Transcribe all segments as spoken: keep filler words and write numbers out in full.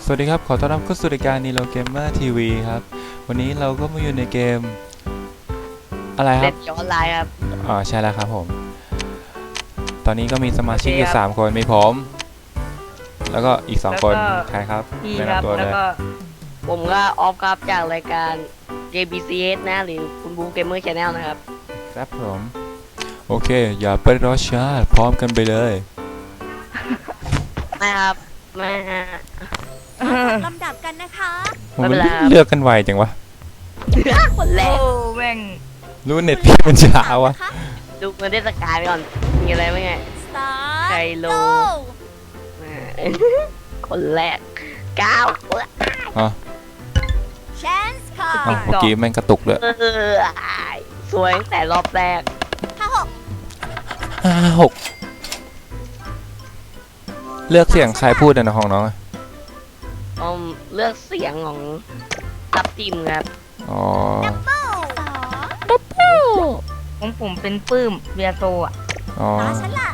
สวัสดีครับขอต้อนรับเข้าสู่รายการนีโรเกมเมอร์ทีวีครับวันนี้เราก็มาอยู่ในเกมอะไรคเล่รับนย้อนไลน์ครับอ๋อใช่แล้วครับผมตอนนี้ก็มีสมาชิกอยู่สามคนมีผมแล้วก็อีกสองคนใครครับพี่แนะครับ นำตัวแล้เลวย ก็ผมก็ออฟครับจากรายการ เจ บี ซี เอส นะหรือคุณบูเกมเมอร์ชาแนลนะครับครับผมโอเคอย่าไปรอช้าพร้อมกันไปเลยไม่ครับไม่ฮะลำดับกันนะคะผมไม่เป็นไรครับเลือกกันไวจังวะคนแรโอ้กแม่งรู้เน็ตพี่มันช้าวะดูเงินเทศกาลไปก่อนมีอะไรบ้างไงสตาร์ไคโล คนแรกเก้าอ๋อแชนส์คออ๋อร์เมื่อกี้แม่งกระตุกเลยเออสวยตั้งแต่รอบแรกห้าหกห้าหกเลือกเสียงใครพูดอะนะของน้องอะอืมเลือกเสียงของทับทิมครับอ๋อเป้าสองของผมเป็นปื้มเบียโซอ่ะอ๋อตาฉันละ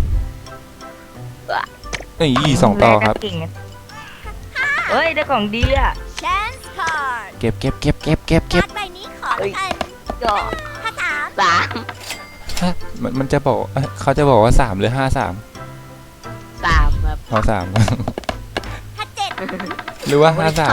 นี่สองต่อครับแลกกันเก่งอะเฮ้ย ได้ของดีอ่ะแชนส์คอร์เก็บเก็บเก็บเก็บเก็บเก็กาบร์ดใบนี้ขอละกันก็ห้าสามสามฮะมันมันจะบอกเอ้ยเขาจะบอกว่าสามหรือห้าสามสามครับอ๋อสามห้าเจ็ดหรือว่าห้าสาม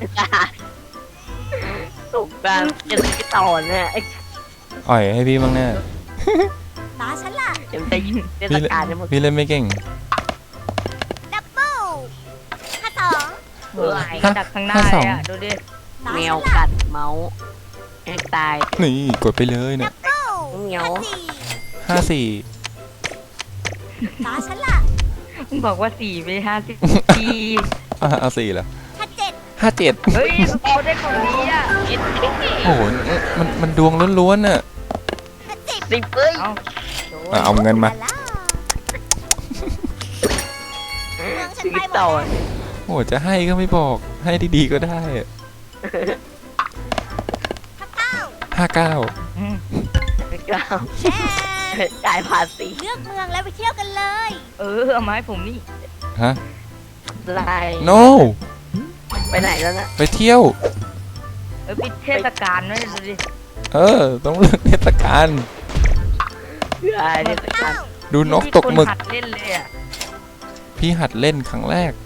ถูกการจะไปต่อเนี่ยอ่อยให้พี่บ้างแน่ตาฉันละเดี๋ยวจะยิงเทศกาลจะหมดพี่เล่นไม่เก่งดับเบิลห้าสองเฮ้ยดักข้างหน้าห้าสเลองยอ่ะ ดูดิตาแมฉัวนละกัดเมาส์แอกตายนี่กดไปเลยเนี่ยเบิลเหนียวห้าสี่ห้าสี่ตาฉันละมึงบอกว่าสี่ไปห้าสิบปีอ่ะเอาสี่เหรอห้าเจ็ดห้าเจ็ดเฮ้ยเขาได้ของดีอ่ะคิดโอ้โหมันมันดวงล้วนๆน่ะห้าสิบสิบเอ้ยเอาโดนอ่ะเอาเงินมาเมืองฉันสิบไปหมดต่อแล้วโอ้โหจะให้ก็ไม่บอกให้ดีๆก็ได้ห้าเก้าห้าเก้าอืมเก้าแชนส์จ่ายภาษีเลือกเมืองแล้วไปเที่ยวกันเลยเออเอามาให้ผมนี่ฮะลาย no ไปไหนแล้วนะไปเที่ยวเออปิดเทศกาลด้วยดูดิเออ ต้องเลือกเทศกาลลายเทศกาลดูนกตกหมึกที่คนหัดเล่นเลยอ่ะพี่หัดเล่นครั้งแรก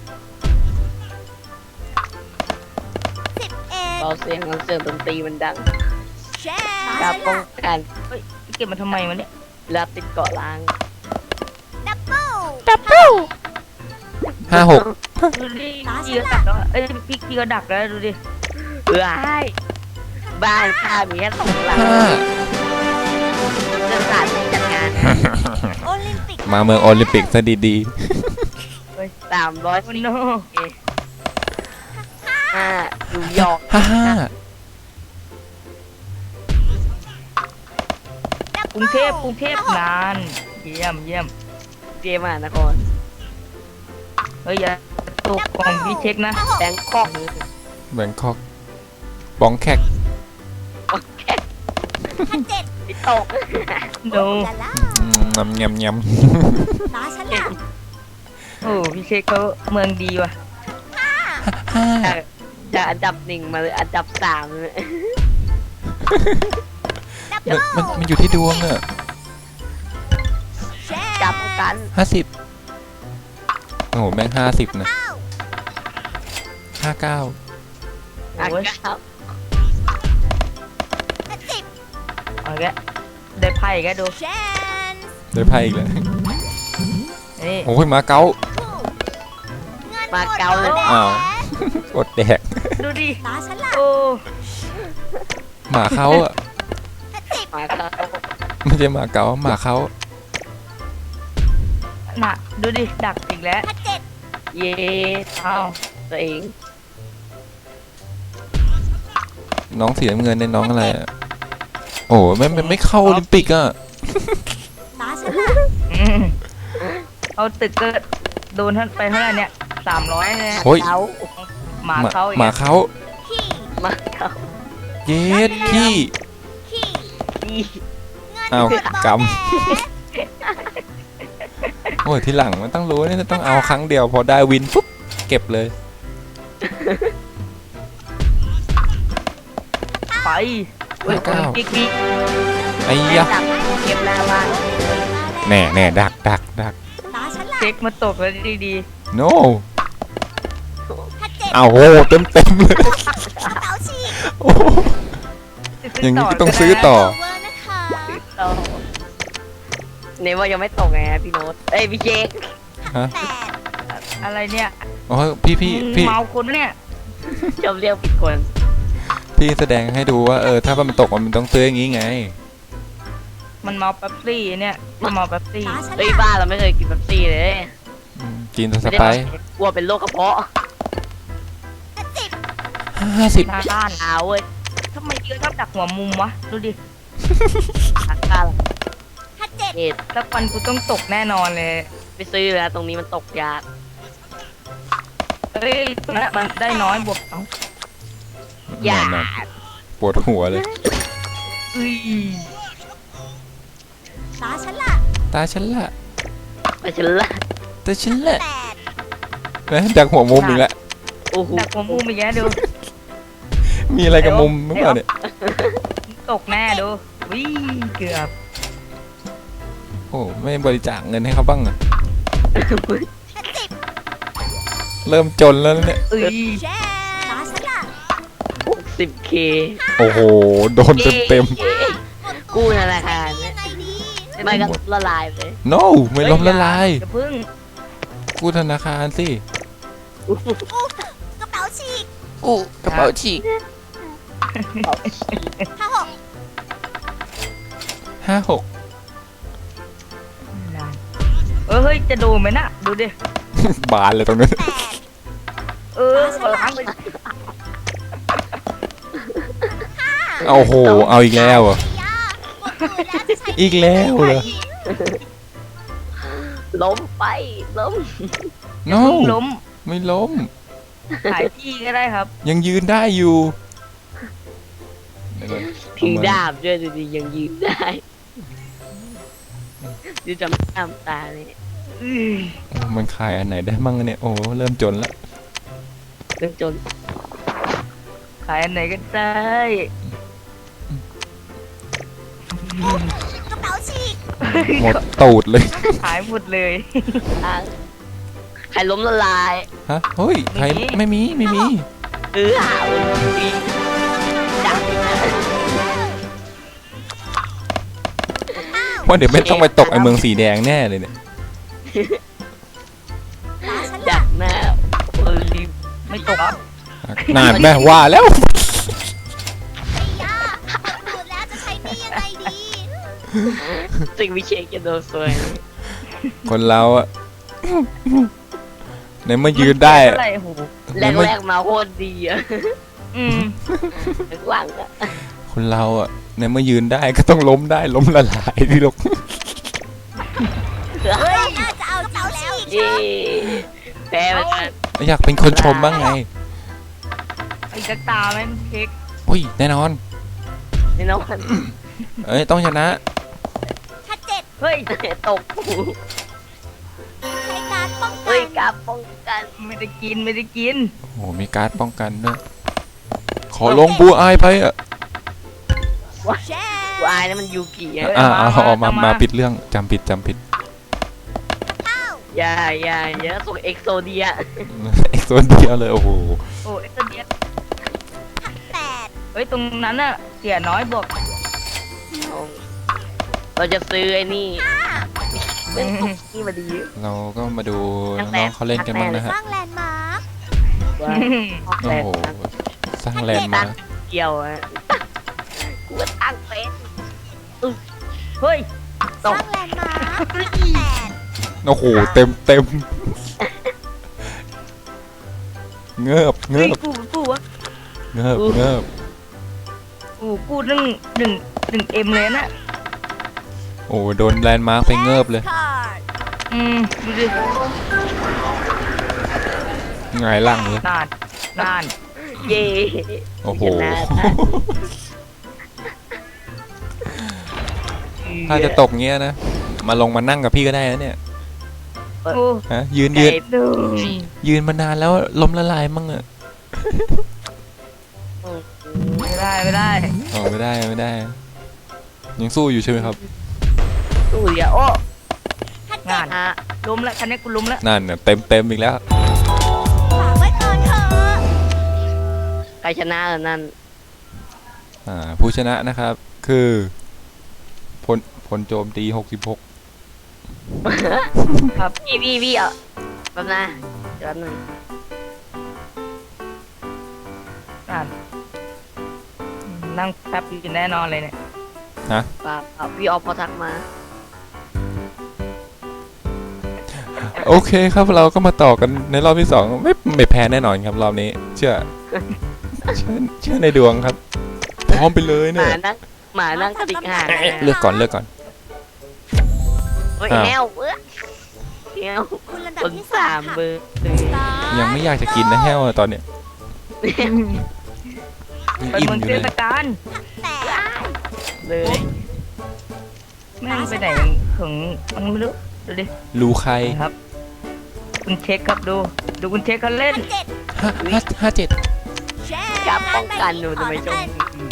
สิบเอ็ดเบาเสียงของเสียงดนตรีมันดังแชนการส์ป้องกันเฮ้ยเก็บมาทำไมวะเนี่ยลาติดเกาะล้างดับเบิลห้าหกดูดิพี่ก็ดักแล้วอะเอ้ยพี่พี่ก็ดักแล้วดูดิลายบ้านข้ามีแค่สองหลังห้าเรื่องสถานที่จัดงานโอลิมปิกมาเมืองโอลิมปิกซะดีสามร้อยโอ้สี่โนห้านิวยอร์กๆห้าห้ากรุงเทพกรุงเทพนานเยี่ยมเยี่ยมเจมส์มหานครเฮ้ยอย่าตกกล่องพี่เช็คนะแบงคอกแบงคอกบองแคกห้าเจ็ดพิตกโนลาล่าอืมยำยำยตาฉันละโอ้พี่เช็คเขาเมืองดีว่ะำห้าจากจากอันดับหนึ่งมาเลยอันดับสามเลยดับมันเบิลมันมันอยู่ที่ดวงอะแชจับนส์กันห้าสิบโอ้โหแม่งห้าสิบนะเก้าห้าเก้าอันโอ้ยครับห้าสิบเอาแกได้ไพ่แกดูแชนส์ได้ไพ่อีกแล้วนี่โอ้ยมาเก๊าคู่เงินหมาเกาเลยหมดอ้าวแอดแดกดูดิตาฉันละโอ้หมาเขาอะห้าสิบมาครับไม่ใช่หมาเก๊าหมาเขาน่ะดูดิดักอีกแล้วห้าเจ็ดเย่อ้าวตัวเองน้องสีน้ำเงินในน้องอะไรอะโอ้โหไม่ไม่ไม่เข้าโอลิมปิกอะตาฉันละอืมเอาตึกก็โดนท่านไปเท่าไหร่เนี่ยสามร้อยเนี่ยโอ้ยเกาหมาเขาอีกหมาอะเขาขี้มาเกาเย็ดขี้ขี้ดีเงินอ้าวหมดกำแหมโอ้ยทีหลังมันต้องรู้นี่ต้องเอาครั้งเดียวพอได้วินปุ๊บเก็บเลยไปเฮ้ยเก้ากิ๊กกิ๊กไอ้ให้ยะดักเก็บหน้าบ้านแน่แน่ดักดักดักตาฉันล่ะเช็คมาตกแล้วดี no ถ้าเจ็ดอ้าวโหเต็มเต็มเลยกระเป๋าฉีกโอ้โหๆอย่างนี้ก็ต้องซื้อต่อเวอร์นะคะโตเนว่ายังไม่ตกไงพี่โน้ตเอ้ยพี่เค้กฮะแปดอะไรเนี่ยโอ้ยพี่พี่พี่เมาคนเนี่ยชอบเรียกผิดคนพี่แสดงให้ดูว่าเออถ้ามันตกมันต้องซื้ออย่างนี้ไงมันเมาแป๊บซี่เนี่ยมันเมาแป๊บซี่ตาฉันเฮ้ยล่ะบ้านเราไม่เคยกินเป๊ปซี่เลยอืมกินสไม่ได้ไปซ์กลัวเป็นโรคกระเพาะถ้าสิบห้าสิบหน้าด้านเอาเว้ยทำไมเยอะชอบดักหัวมุมวะดูดิทางการถ้าเจ็ดเหตุสักวันกูต้องตกแน่นอนเลยไปซื้อแล้วตรงนี้มันตกยากเอ้ยตรงนั้นมันได้น้อยบวกเอ้าอยากนั่นๆปวดหัวเลยอุ้ยตาฉันล่ะตาฉันละไปฉันละตาฉันละแปดนะจากหัวมุมอีกแล้วโอ้โหดักหัวมุมอีกแล้วดูมีอะไรกับมุมหรือเปล่าเนี่ยตกแน่ดูวิ่งเกือบโอ้ไม่บริจาคเงินให้เขาบ้างเหรอถ้าสิบเริ่มจนแล้วนะเนี่ยเอ้ยแช่ตาฉันล่ะหกสิบเคโอ้โหโดนเต็มเต็มกู้ธนาคารยัเนี่ยงไงดีไม่ก็ละลายไปๆ no ไม่ล้มละลายอย่าพึ่งกู้ธนาคารสิกระเป๋าฉีกกู้กระเป๋าฉีกถ้าหกห้าหกเออเฮ้ยจะดูไหมน่ะดูดิบานเลยตรงนั้นแปดเออล้างไปโอ้โหเอาอีกแล้วเหรอ่ะยาหมดมือแล้วจะใช้อีกแล้วเหรอล้มไปล้ม no ล้มไม่ล้มขายที่ก็ได้ครับยังยืนได้อยู่เดี๋ยวก่อนถือเมดาบด้วยดูดิยังยืนได้ดูจำตามตาเลยอื้อโอ้มันขายอันไหนได้มั่งเนี่ยโอ้เริ่มจนแล้วเรื่องจนขายอันไหนก็ได้กระเป๋าฉีกหมดตูดเลยขายหมดเลยทางใครล้มละลายฮะเฮ้ยใครไม่มีไม่มีไม่มีเออหาวันดีดักว่าเดี๋ยวไม่ต้องไปตกไอเมืองสีแดงแน่เลยเนี่ยตาฉันดัล่ะกหน้าโอลิมไม่ตกครับนานแม่ว่าแล้วไอ้ยาหมดมือแล้วจะใช้หนี่ยังไงดีสิ่งวิเชษจะโดนซวยคนเราอะในเมื่อยืนได้เท่าอะไหร่โหแรกแรกๆมาโคตรดีอะอืมหลังๆอะคนเราอะในเมื่อยืนได้ก็ต้องล้มได้ล้มละลายที่ลูกเฮ้ยน่าจะเอาจริงแล้วเย้แพ้ไปกันอยากเป็นคนชมบ้างไงไอ้กระตาแม่งเค้กอุ้ยแน่นอนแน่นอนเอ้ยต้องชนะถ้าเจ็ดเฮ้ยตกใช้การป้องกัเฮ้ยนกาป้องกันไม่ได้กินไม่ได้กินโอ้โหมีการ์ดป้องกันด้วยขอลงบูอายไปอะแช่กูอายนะมันยูกิอะอ่าเอาเอามามามาปิดเรื่องจำผิดจำผิดเก้าอย่าอย่าอย่าส่งเอ็กโซเดียเอ็กซ์ตัวเดียวเลยโอ้โหโอ้เอ็กซ์เดียแปดเฮ้ยตรงนั้นน่ะเสียน้อยบวกเราจะซื้อไอ้นี่เป็นตุกนี่มาดีเราก็มาดูน้องๆเขาเล่นกันบ้างนะสฮะร้างแลนด์มาร์คว่าโอ้แต่โหสร้างแลนด์มาร์คเกี่ยวอะกูก็ตั้งเฟซเฮ้ยสร้างแลนด์มาร์คแปดโอ้โหเต็มเต็มเงือบเงืเฮ้ยอบกูกูวะเงือบเงือบกูกูหนึ่งหนึ่งหนึ่งเอ็มเลยน่ะโอ้โดนแลนด์มาร์คไปเงือบเลยคาร์ดอืมดูดิไงายหล่างเลยนานนานเย่โอ้โหชนะถ้าจะตกเงี้ยนะ มาลงมานั่งกับพี่ก็ได้นะเนี่ยโอ้ฮะยืนยืนไก่ดูยืนมานานแล้วล้มละลายมั่งอะอืมไม่ได้ไม่ได้อ๋อไม่ได้ไม่ได้ ยังสู้อยู่ใช่ไหมครับตู้เดียวโอ้ฮัตงานฮะล้มแล้วคันนี้กูล้มแล้วนั่นน่ะเต็มเต็มอีกแล้วฝากไว้ก่อนเถอะใครชนะแล้วนั่นอ่าผู้ชนะนะครับ คือพลพลโจมตีหกสิบหกครับพี่พี่พี่อ่ะแป๊บนะเดี๋ยวแป๊บนึงงานนั่งแป๊บอยู่แน่นอนเลยเนี่ยป่าป่าพี่ออฟพอทักมาโอเคครับเราก็มาต่อกันในรอบที่สองไม่ไม่แพ้แน่นอนครับรอบนี้ เชื่อ เชื่อเชื่อในดวงครับ พร้อมไปเลยหเนี่มาย นั่งหมานั่งกระดิกหางเลือกก่อนเลือกก่อนเฮ้ยอ้าวแฮวเอ้ยแฮวคุณลำดัคบนที่สาสามมค่ะเบอร์สามยังไม่อยากจะกินนะแห้วอะตอนเนี้ยยังเป็นอิ่มเมืองอยู่เทเลยศกาลแต่เลยแม่งไปไหนถึงมันไม่รู้ดูดิรูใครครับ คุณเช็คครับดู ดูคุณเช็คเขาเล่นเจ็ดห้าห้าห้าเจ็ดแชร์จับป้องกันหนูทำไมจง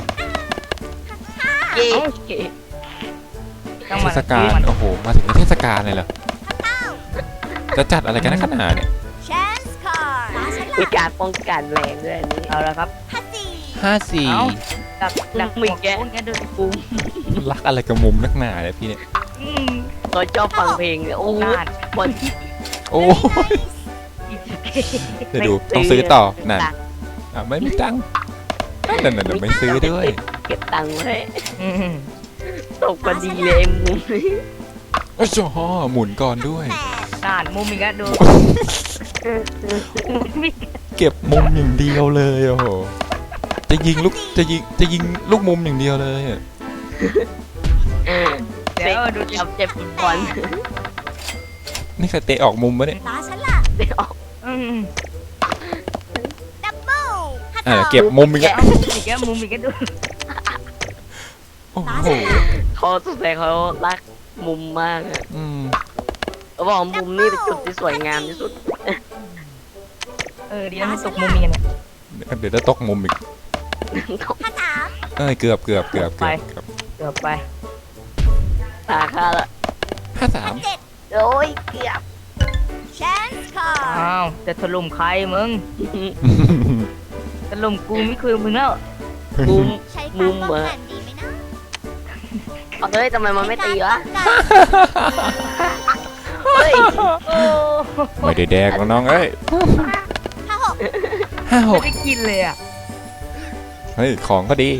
เย่จังหเทวะศกาลโอ้โหมาถึงในเทศกาลเลยเหรอจะจัดอะไรกันนะขนาดเนี่ยแชนส์คอร์ตาฉันมีละการป้องกันแรงด้วยอันนี้เอาละครับฮัตสี่ห้าสี่เอ้า ดักดักมึงแกพวกเนี้ยดูดิปุ้มรักอะไรกับมุมนักหนาเนี่ยพี่เนี่ยอืมเขาชอบฟังเพลงเนี่ยโอ้โหนานบนโอ้ยเดี๋ยวดูต้องซื้อต่อนั่นอ่ะไม่มีตังค์นั่นนั่นนั่นไม่ซื้อด้วยเก็บตังค์ไว้อืมตกพอดีเลยมุมนี้โอ้โหหมุนก่อนด้วยแปดนานมุมอีกแล้วดูมุมอีกเก็บมุมอย่างเดียวเลยโอ้โหจะยิงลูกจะยิงจะยิงลูกมุมอย่างเดียวเลยอะเดี๋ยวดูดิจับเจ็บฟุตบอลนี่ใครเตะออกมุมปะเนี่ยตาฉันละเดี๋ยวออกอืมดับเบิ้ลฮัตอ่าสองเก็บมุมอีกแล้วเอามุมอีกแล้วมุมอีกแล้วดูโอ้โหเขาสงสัยเขารักมุมมากอะอืมเขาบอกมุมนี่เป็นจุดที่สวยงามที่สุดเออเดี๋ยวมันตกมุมอีกเนี่ยเดี๋ยวจะตกมุมอีกฮัตสามเอ้ยเกือบเกือบเกือบเกือบเกือบเกือบไปตาค่าละห้าสามเจ็ดโอ้ยเกือบแชนส์คอร์ตอ้าวจะถล่มใครมึงถล่มกูไม่คือมึงแล้วมุมใช้ความป้องกันดีไหมนะเอาเฮ้ยทำไมมันไม่ตีวะใช้ความป้องกันเฮ้ยโอ้ไม่ได้แดกแล้วน้องเอ้ยห้าหกห้าหไม่กได้กินเลยอ่ะเฮ้ยของก็ดี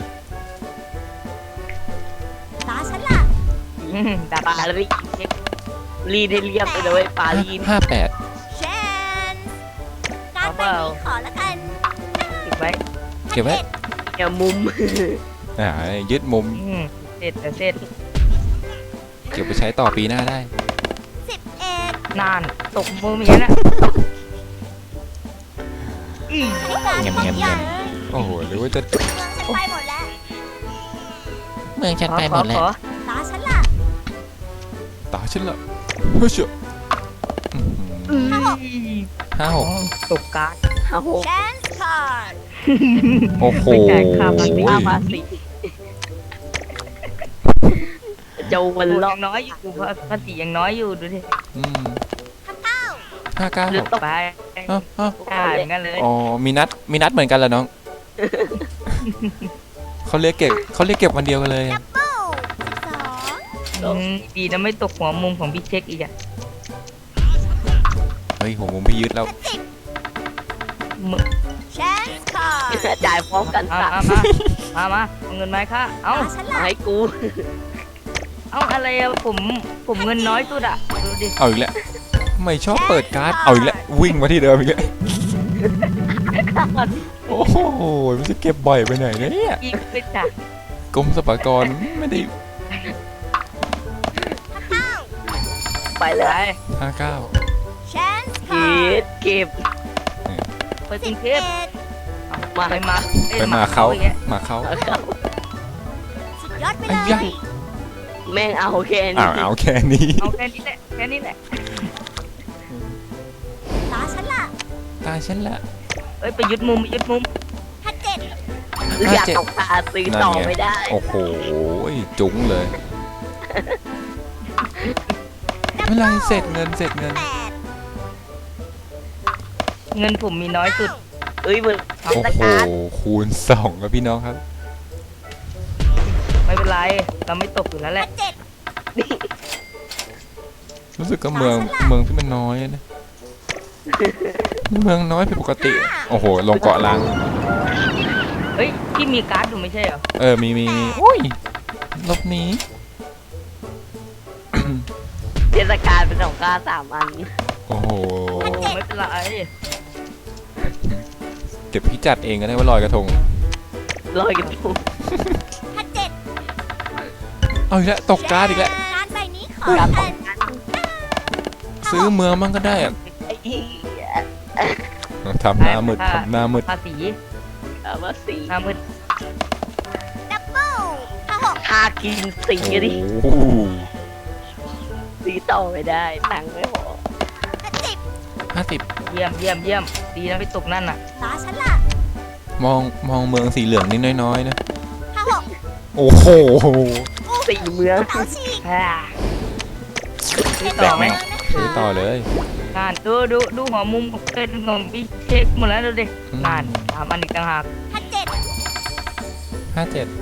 ตาฉันละอืมดักปลาดักลีดรีดให้เรียบไปเลยปลาลีดห้าแปดแชนส์การไปนี้ขอละกันติดไว้เก็บไว้เนี่ยมุมอ่ายึดมุมอืมเสร็จแต่เสร็จเก็บไปใช้ต่อปีหน้าได้สิบเอ็ดนานตกมุมอีกแล้วนะอีใช้การเงียบเงียบเงียบ โอ้โหหรือว่าจะเมืองฉันไปหมดแล้วเมืองฉันไปหมดแล้วขอตาฉันละต่อฉันละเฮ้ยเชื่ออื้อหือขอห้าหกตกการ์ดห้าหกแชนส์คอร์ตโอ้โหไม่จ่ายค่าภาษีห้าภาษีจะวันโอ้ล็อยักงน้อยอยู่ภาษียังน้อยอยู่ดูดิอืมเก้าห้าเก้าหรือตกไปอ้าวอ้าวอ่าอย่างนั้นเลยอ๋อมีนัดมีนัดเหมือนกันเหรอน้องเขาเรียกเก็บเขาเรียกเก็บวันเดียวกันเลยดับเบิ้ลสิบสองอืมดีนะไม่ตกหัวมุมของพี่เช็คอีกอ่ะเฮ้ยหัวมุมพี่ยึดแล้วสิบมึแชนส์คอร์ตจ่ายพร้อมกันมาสามมามามาเอาเงินไหมาให้ค่ะเอ้าตาฉันละให้กูเอ้าอะไรอะผมผมเงินน้อยสุดอะดูดิเอาอีกแล้วไม่ชอบเปิดการ์ดเอาอีกแล้ววิ่งมาที่เดิมอีกแล้วโอ้โหมันจะเก็บบ่อยไปไหนเนี่ยอีกไปจ้ะกรมสรรพากรไม่ได้เก้าไปเลไปยห้าเก้าแชนส์คเก็อร์ตบเก็บไปกสิรุบงเทเอ็พดมาไปมาอ้ยไปมาเขาอีกแล้วมาเขาเอาเข้าสุดยอดไปไอ้เลยยะแม่งเอาแค่อ้านี้วเอาแค่นี้เอาแค่นี้แหละแค่นี้แหละตาฉันละตาฉันละตเอ้ยไปยึดมุมไปยึดมุมห้าเจ็ดอยากตกตาซื้อต่อไม่ได้โอ้โหจุ๋งเลยเมื่อไรเสร็จเงินเสร็จเงินแปดเงินผมมีน้อยสุดเอ้ยมึงโอ้โหคูณสองครับพี่น้องครับไม่เป็นไรเราไม่ตกอยู่แล้วแหห้าละเจ็ดรู้สึกก็เมืองเมืองที่มันน้อยนะเมืองน้อยผิดปกติโอ้โหลงเกาะล้างเฮ้ยที่มีการ์ดอยู่ไม่ใช่เหรอเออมีมีมีโอ้ยลบหนี้เทศกาลเป็นของกล้าสามอันโอ้โหโอ้ไม่เป็นไรเดี๋ยวพี่จัดเองก็ได้ว่าลอยกระทงลอยกันทุกห้าเจ็ดเอาอีกแล้วตกการ์ดอีกแล้วการ์ดใบนี้ขอการแทตกนกันซื้อเมืองมันก็ได้อะไอ้เหี้ยทำหน้ามืดทำหน้ามืดภาษีเอามาสีหน้ามืดดับเบิ้ลห้าหกทากินสีโอ้ดิโหสีต่อไม่ได้ตังค์ไม่พอห้าสิบห้าสิบเยี่ยมเยี่ยมเยี่ยมดีนะไปตกนั่นน่ะตาฉันล่ะมองมองเมืองสีเหลืองนิดน้อยๆนะห้าหกโอ้โหสีเมืองกระเป๋าฉีกฮ่าซื้อแบต่อก ไหมแม่งซื้อต่อเลยนานดูดูดูหัวมุมของเกินของพี่เช็คหมดแล้วดูดินานสามอันอีกต่างหากห้าเจ็ดห้าเจ็ด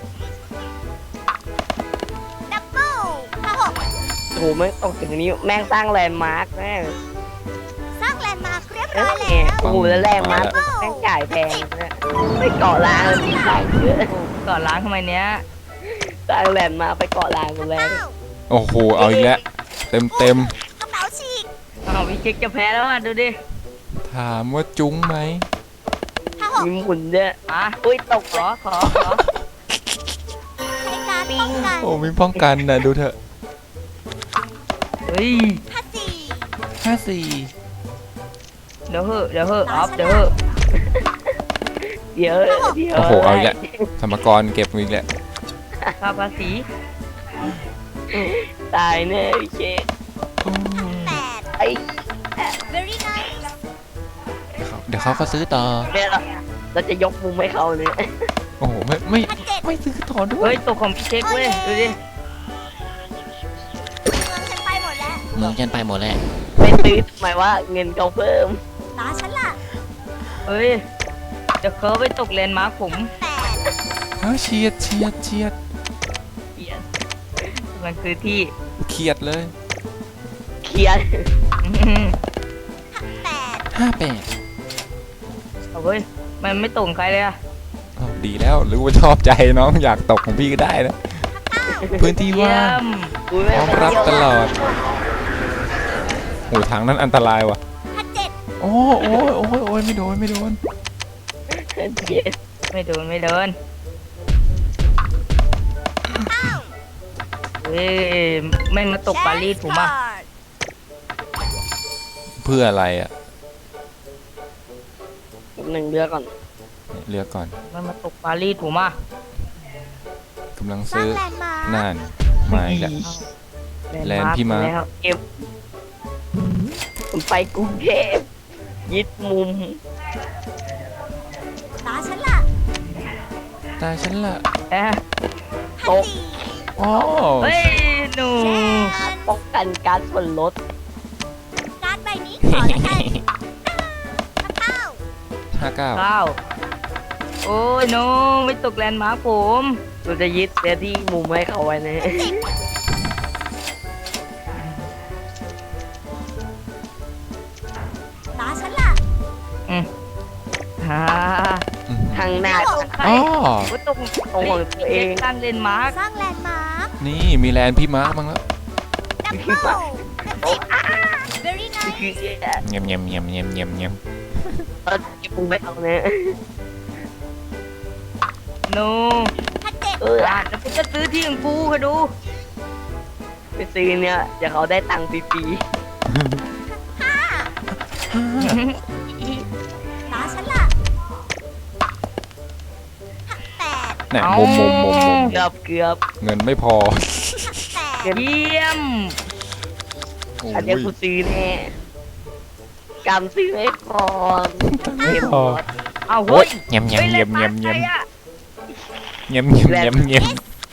ดับเบิ้ลห้าหกโอ้โหไม่งตกถึงนี้แม่งสร้างแลนด์มาร์คแม่งสร้างแลนด์มาร์คเรียบเอร้ออยเนี่ยแล้วโอ้โหแล้วแรงมาร์คแม่งจ่ายแพงนะไปเกาะล้างแล้วมีตังค์เยอะโอ้ก่อนล้างทำไมเนี้ยสร้างแลนด์มาร์คไปเกาะล้างกันแล้วเก้าโอ้โหเอาอีกแล้วเต็มเต็มกระเป๋าฉีกอ้าวพี่เช็คจะแพ้แล้วอ่ะดูดิถามว่าจุ้งไหมห้าหกมีหมุนด้วยมาอุ้ยตกขอขอขอใช้การป้องกันโอ้มีป้องกันนะดูเถอะเฮ้ยห้าสี่ห้าสี่เดี๋ยวเหอะเดี๋ยวเหอะออฟเดี๋ยวเหอะเดี๋ยวเดี๋ยวโอ้โหเอาอีกแล้วธรรมกรเก็บอีกแล้วค่าภาษีตายแน่พี่เชคโอ้แปดไอ้ very nice เดี๋ยวเขาก็ซื้อต่อเนี่ยเราเราจะยกมุมให้เขาเนี่ยโอ้โหไม่ไม่ห้าเจ็ดไม่ซื้อต่อด้วเฮ้ยยตกของพี่เช็คเว้ยดูดิเมืองฉันไปหมดแล้วเมืองฉันไปหมดแล้วไปซื้อหมายว่าเงินเขาเพิ่มตาฉันล่ะเฮ้ยเดี๋ยวเขาไปตกเลนมาร์คผมแปดเฮ้ยเฉียดเฉียดเฉียดเกียดมันคือที่เขียดเลยเคลียร์อื้อหือแปดห้าแปดเอาเว้ยมันไม่ตกใครเลยอะดีแล้วหรือว่าชอบใจน้องอยากตกของพี่ก็ได้นะ พื้นที่เยี่ว่าย งมอุ้ยพร้อมรับตลอดโอ้ทางนั้นอันตรายว่ะห้าเจ็ดโอ้โอ้ยโอ้ยโอ้ยไม่โดนไม่โดนเจ็ดไม่โดนไม่โดนเก้าเฮ้ยไม่มาตกปารีสผมอ่ะเพื่ออะไรอ่ะหนึ่งเดือนก่อนเลือกก่อนมันมาตกปารีสผมอ่ะกำลังสร้างซื้อแลนด์มาร์คน่านมาอีกแล้ว แลนด์พี่มาร์คแล้วเก็บผมไปกรุงเทพยึดมุมตาฉันล่ะตาฉันละเอ๊ะห้าสี่อ๋อเฮ้ยหนูแชนป้องกันการส่วนลดการ์ดใบนี้ขอแล้วกันห้าเก้าห้าเก้าเก้าโอ้ยน้องไม่ตกแลนด์มาร์คผมเราจะยึดเสียที่มุมให้เขาไว้นะสิบตาฉันล่ะฮ่าทางหน้าใครอ๋อโอ้ยตกตรงของตัวเองตั้งเลนด์มาร์คสร้างแลนด์มาร์คนี่มีแลนด์พี่มาร์คบ้างแล้วดับเบิ้ลสิบ very nice คือเงียบเงียบเงียบเงียบเงียบเงียบเราเก็บมุมให้เขาเนี่ยหนูห้าเจ็ดเอออ่ะแล้วกูจะซื้อที่ของกูค่ะดูไปซื้อเนี่ยเดี๋ยวเขาได้ตังค์ฟรีห้าตาฉันล่ะห้าแปดเนี่ยมุมมุมมุมมุมๆเกือบเกือบเงินไม่พอห้าแปดเยี่ยมโอ้อันเนี้ยยกูซื้อแน่กำซื้อให้ก่อนไม่พอเอาโอ้เฮ้ยยเงียบเงียบฮ้เงียบล่นเงียบมาเงียบใครอะเงียบเงียบเงียบเงียบเงียบ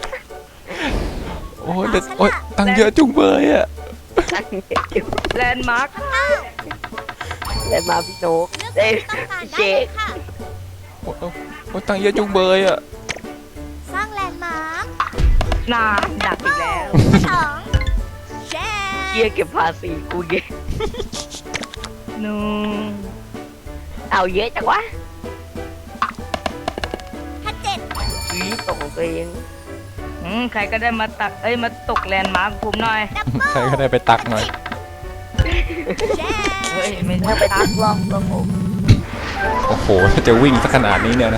โอ้ยเด็ดโอ้ยตังค์เยอะจุงเบยอะแลนด์มาร์คเลยมาพี่โนกเลืเอ้อกยที่ต้องการได้เช็เลคยค่ะโอ้ยโอ้ยตังค์เยอะจุงเบยอะสร้างแลนด์มาร์คนานดักอีกแล้วสองแชเชี่ยร์เก็บภาษีกูเยอะนูเอาเยอะจังวะถ้าเจ็ดอีตกของตัวเองอืมใครก็ได้มาตักเอ้ยมาตกแลนด์มาร์คผมหน่อยดับเบิ้ลใครก็ได้ไปตักหน่อยแชร์เฮ้ยไม่ถ้าใช่ไปตัตักกลองตัวผมโอ้โหถ้าจะวิ่งสักขนาดนี้เนี่ยนะ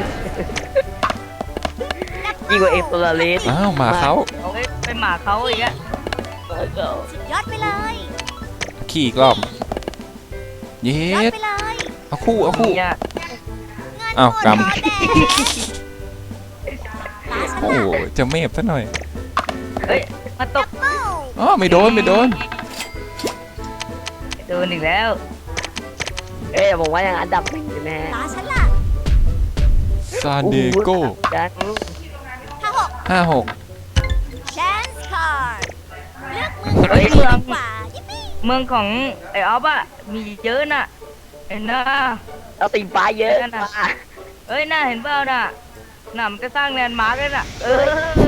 ยิ่งกว่าเอฟโซลาเลสอ้าวหมาเขาเอาไว้ไปหมาเขาอีกอะสุดยอดไปเลยขี่อีกรอบเย็ยอดดไปเลยเอาคู่เอาคู่เนี่ยเงินอ้าวหมดกำหมดแดงตาฉันโอ้โหละจะเมฟซะหน่อยเฮ้ยมาตดักบเบิ้ลอ๋อไม่โดนไม่โดนโดนอีกแล้วเอ้ยผมว่ายังอันดับหนึ่งอยู่แน่ตาฉันละซานเดโก้จัดถ้าหกห้าหกแชนส์คาร์ดเลือกเมืองที่ดีกว่ายิปปี้เมืองของไอออฟอะมีเยอะน่ะเห็นนะเอาสีฟ้าเยอะนั่นน่ะมาเอ้ยน่าเห็นเปล่าน่ะน่ะมันจะสร้างแลนด์มาร์กเลยน่ะเออ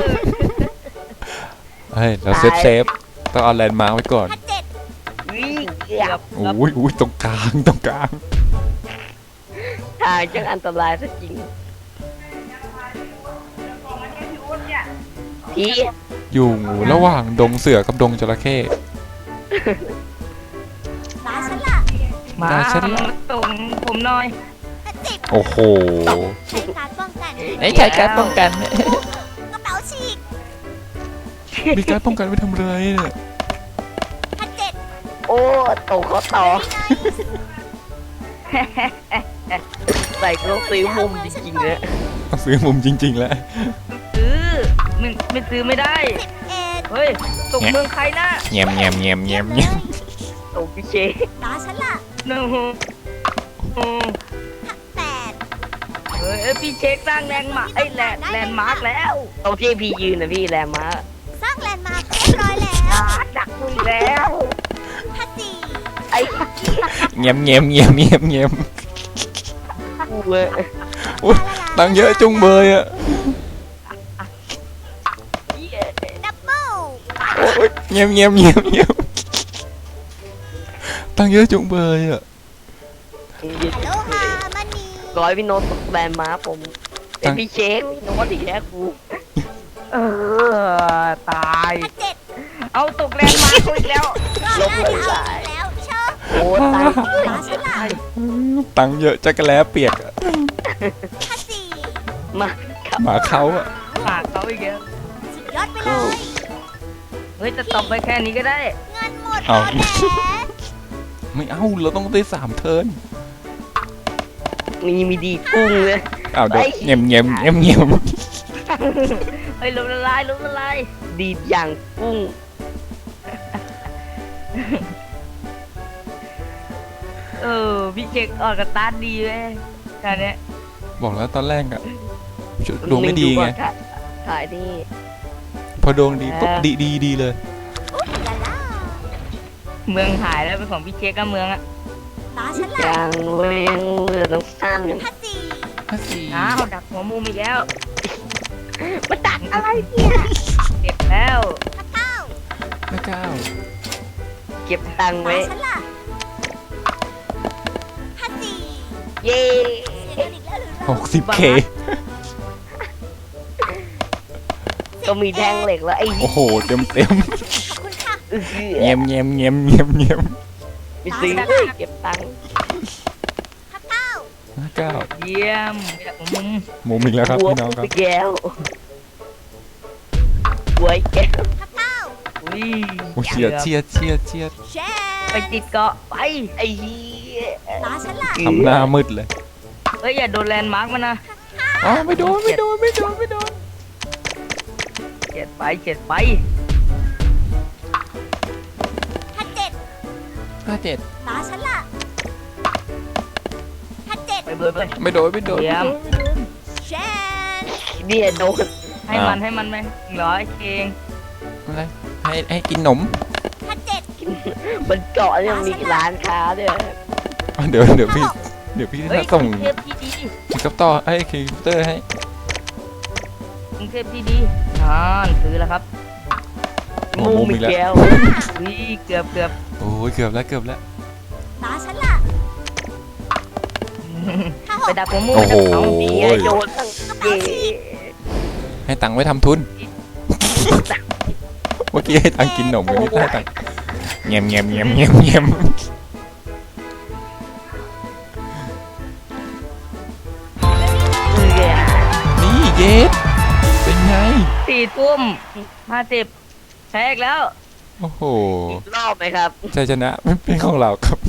เฮ้ยเราเซฟเซฟต้องเอาแลนด์มาร์คไว้ก่อนถ้าเจ็ดวิ่งเกืเกืออบบเกือบอุ้ยอุ้ยตรงกลางตรงกลางทางจังอันตรายซะจริงพี่อยู่ระหว่างดงเสือกับดงจระเข้ตาฉันละมาได้ฉันละมาส่งผมหน่อยถ้าสิบโอ้โหใช้การป้องกันไอ้ใช้การป้องกันกระเป๋าฉีกมีการป้องกันไว้ทำไรเนี่ยถ้าเจ็ดโอ้ตกเขาต่อ ใส่ก็ซื้อมุมจริงๆเลยต้องซื้อมุมจริง ๆ แล้วซื้อไม่ไม่ซื้อไม่ได้สิบเอ็ดเฮ้ยตกเมืองใครนะเงียบเงียบเงียบเงียบเงียบตกพี่เชตาฉันละหนึ่งถ้าแปดเฮ้ยเอ้ยพี่เช็คสร้างแลนด์มาร์คไอ้ยแลนด์แลนด์มาร์กแล้วตรงที่พี่ยืนนะพี่แรมมาสร้างแลนด์มาร์คเรียบร้อยแล้วอ่าดักมึงแล้วถ้าสี่ไอ้เงียบเงียบเงียบเงียบเงียบกูเลยอุ้ยตังค์เยอะจุงเบยอะดับเบิ้ลโอ้ยเงียบเงียบเงียบเงียบตังค์เยอะจุงเบยอะฮัลโลฮามันนีร้อยพี่โน้ตตกแรมมาผมเป็นพี่เชคพี่โน้ตอีกแล้วกูเออตายถ้าเจ็ดเอาตกแลนด์มาร์คเขาอีกแล้วก็น่าจะเอาอีกแล้วเชอะโอ้ตายตาฉันละตังค์เยอะจักรแล้เปียกอะถ้าสี่มาครับหมาเขาอะหมาเขาอีกแล้วสุดยอดไปเลยเฮ้ยจะตบไปแค่นี้ก็ได้เงินหมดแล้วแหละไม่เอาเราต้องได้สามเทิร์นมีมีดีกุ้งเลยอ้าวเดี๋ยวเงียบเงียบเงียบเงียบเฮ้ยลมละลายลมละลายดีดอย่างกุ้งเออพี่เช็คออกกระตาร์ทดีเว้ยการเนี้ยบอกแล้วตอนแรกอะดวงไม่ดีไงถ่ายนี่พอดวงดีปุ๊บดีดีดีเลยลาล่าเมืองหายแล้วเป็นของพี่เช็คกับเมืองอะตาฉันละอย่างเวงเรือต้องสร้างกันถ้าสี่ห้าสี่อ้าวดักหัวมุมอีกแล้วมาดักอะไรเนี่ยเจ็บแล้วถ้าเก้าห้าเก้าเก็บตังค์ตาไว้ฉันละถ้าสี่เย่เสียเงินอีกแล้วหรือหเรากสิบเคก็มีแท่งเหล็กแล้วไอ้โอ้โหเต็มเต็มขอบคุณค่ะเอื้อเงียบเงียบเงียบเงียบเงียบไปซื้อเลยเก็บตังค์ถ้าเก้าห้าเก้าเยี่ยมดักหัวมุมมุมอีกแล้วครับหัวพี่น้องครับไปแก้วหัวไอ้แก้วถ้าเก้าอุ้ยโอ้เฉียดเฉียดเฉียดเฉียดแชร์ไปติดเกาะไปไอ้เหี้ยตาฉันละทำหน้ามืดเลยเอ้ยอย่าโดนแลนด์มาร์กมันนะอ๋อไม่โดนไม่โดนไม่โดนไม่โดนเจ็ดไปเจ็ดไปถ้าเจ็ดหห้าเจ็ดตาฉันล่ะห้าเจ็ดไปเบิร์ดไปไม่โดนไม่โดนเยี่ยมเชนเนี่ยโดนให้มันให้มันไหมร้อยเองอะไรให้ให้กินนมห้าเจ็ดมันเกาะยังมีร้านค้าด้วยอ่ะเดี๋ยวเดี๋ยวพี่เดี๋ยวพี่เฮ้ยส่งกรุงเทพที่ดีคิวคัปต่อให้คิวเตอร์ให้กรุงเทพที่ดีอ่านซื้อแล้วครับหัวมุมอีกแล้วแก้ววิเกือบเกือบโอ้ยเกือบแล้วเกือบแล้วตาฉันล่ะห้าหไปกดักหัวมุมโอ้โหไปดักเอานี่ไงโยนตั้งเย่ให้ตังค์ไว้ทำทุน เมื่อกี้ให้ตังค์กินนมวันนี้ให้ตังค์เงียบเงียบเงียบเงียบเงียบเนี่ยนี่เยสเป็นไงสี่ทุ่มห้าสิบแพ้อีกแล้วโอ้โหอีกรอบไหมครับชัยชนะไม่เป็นของเราครับ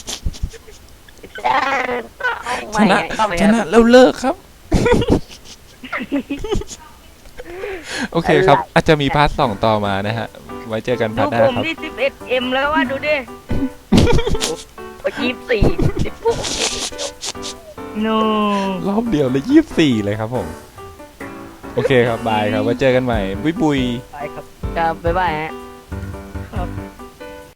ชไม่นะเข้าไปชครับนะแล้วเลิกครับ โอเคครับ อาจจะมีพาร์ทสองต่อมานะฮะ ไว้เจอกันพาดูร์ทหน้าผมครับที่สิบเอ็ดเอ็มแล้วว่าดูดิยี่สิบสี่สิบหกโนรอบเดียวเลยยี่สิบสี่เลยครับผม โอเคครับ บายครับ ไว้เจอกันใหม่ บุยบุยไปครับครับบ๊ายบายฮะ